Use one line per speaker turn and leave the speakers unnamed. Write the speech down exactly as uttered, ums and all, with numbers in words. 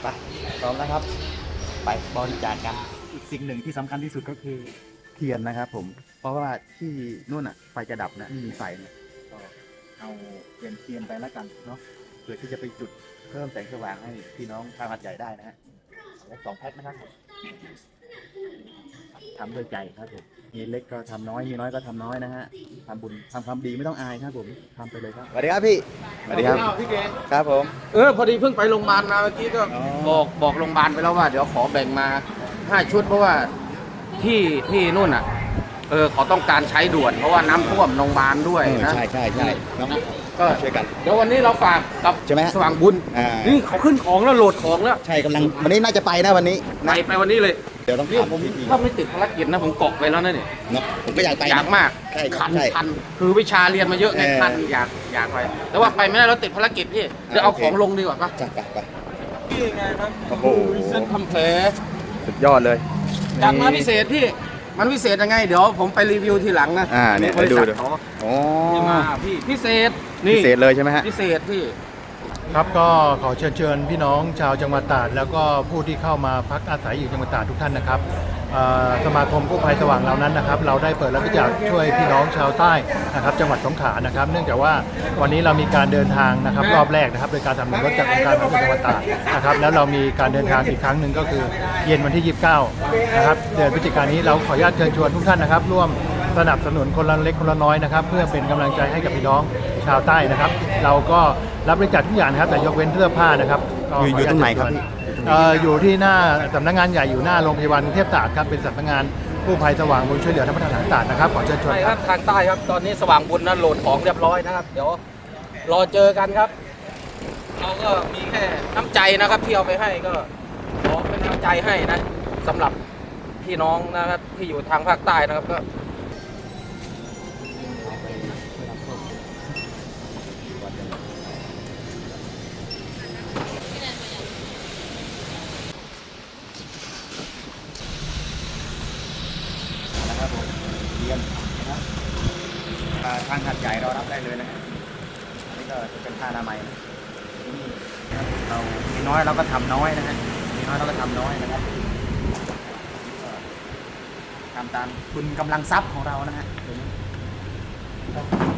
ไปพร้อมแล้วครับ ไปบริจาคกันอีกสิ่งหนึ่งที่สำคัญที่สุดก็คือเทียนนะครับผมเพราะว่าที่นู่นอ่ะไฟจะดับนะไม่มีไฟเนี่ยก็เอาเทียนเทียนไปแล้วกันเนาะเพื่อที่จะไปจุดเพิ่มแสงสว่างให้พี่น้องชาวหาดใหญ่ได้นะฮะและสองแพ็คนะครับผมทำด้วยใจครับผมมีเล็กก็ทำน้อยมีน้อยก็ทำน้อยนะฮะทำบุญทำความดีไม่ต้องอายครับผมทำไปเลยครับสวัสดีครับพี่สวัสดีครับพี่เกครับผม
เออพอดีเพิ่งไปโรงพยาบาลมาเมื่อกี้ก็
อ๋อ
บอกบอกโรงพยาบาลไปแล้วว่าเดี๋ยวขอแบ่งมาห้าชุดเพราะว่าที่ที่นู่นอ่ะเออเขาต้องการใช้ด่วนเพราะว่าน้ำท่วมโรงพยาบาลด้วยนะ
ใช่ใช่ใช่น้อง
ก็
ช่วยกัน
เดี๋ยววันนี้เราฝากกับ
ใช่ไหมฮะ
สว่างบุญ
อ่า
นี่เขาขึ้นของแล้วโหลดของแล้ว
ใช่กำลังวันนี้น่าจะไปนะวันนี้
ไป
นะ
ไปวันนี้เลย
เดี๋ยวต้อง
นี่
ถาม
ผม
พี่ที
ถ้าไม่ติดภารกิจนะผมเกาะไปแล้วนะเนี่ย
เนาะผมก็อยากไปนะ
อยากมาก
ใช่
คัน
ใช่
คันคือวิชาเรียนมาเยอะไง
เออ
คันอยากอยากไปแต่ว่าไปไม่ได้เราติดภารกิจพี่เดี๋ยวเอา
โอเค
ของลงดีกว่าปะ
จัดไปไป
พี่ไงครับ
โอ้โห
เส้นทำแผล
สุดยอดเลย
จัดมาพิเศษพี่ มันพิเศษยังไง เดี๋ยวผมไปรีวิวทีหลังนะ
อ่าเนี่ย
บริษัท
ให้ดู
เขา
โอ้
ที่มาพี่พิเศษนี่
พิเศษเลยใช่ไหมฮะ
พิเศษพี่
ครับก็ขอเชิญเชิญพี่น้องชาวจังหวัดตราดแล้วก็ผู้ที่เข้ามาพักอาศัยอยู่จังหวัดตราดทุกท่านนะครับเอ่อสมาคมกู้ภัยสว่างเรานั้นนะครับ เราได้เปิดรับบริจาคช่วยพี่น้องชาวใต้นะครับจังหวัดสงขลานะครับ เนื่องจากว่าวันนี้เรามีการเดินทางนะครับรอบแรกนะครับโดยการทำรถจากองค์การบริหารส่วนจังหวัดตราดนะครับแล้วเรามีการเดินทางอีกครั้งหนึ่งก็คือเย็นวันที่ยี่สิบเก้านะครับเดือนพฤศจิกายนนี้เราขออนุญาตเชิญชวนทุกท่านนะครับร่วมสนับสนุนคนละเล็กคนละน้อยนะครับเพื่อเป็นกำลังใจให้กับพี่น้องชาวใต้นะครับ เราก็รับบริจาคทุกอย่างนะครับแต่ยกเว้นเสื้อผ้านะครับก็
อยู่อยู่ตรงไหนครับพี่
เอ่ออยู่ที่หน้าสำนักงานใหญ่อยู่หน้าโรงพยาบาลกรุงเทพตราดครับเป็นสำนักงานกู้ภัยสว่างบุญช่วยเหลือธรรมทานตราดนะครับขอเชิญชวน
ใช่
ค
ค
รั
รับ บทางใต้ครับ ตอนนี้สว่างบุญนั้นโหลดของเรียบร้อยนะครับ เดี๋ยวรอเจอกันครับ เราก็มีแค่น้ำใจนะครับที่เอาไปให้ก็ขอเป็นน้ำใจให้นะสำหรับพี่น้องนะครับที่อยู่ทางภาคใต้นะครับก็
นะครับผมเทียนนะครับอ่าทางหาดใหญ่เรารับได้เลยนะฮะอันนี้ก็จะเป็นผ้าอนามัยนะนี่นะครับเรามีน้อยเราก็ทำน้อยนะฮะมีน้อยเราก็ทำน้อยนะครับก็ทำตามบุญกำลังทรัพย์ของเรานะฮะตรงนี้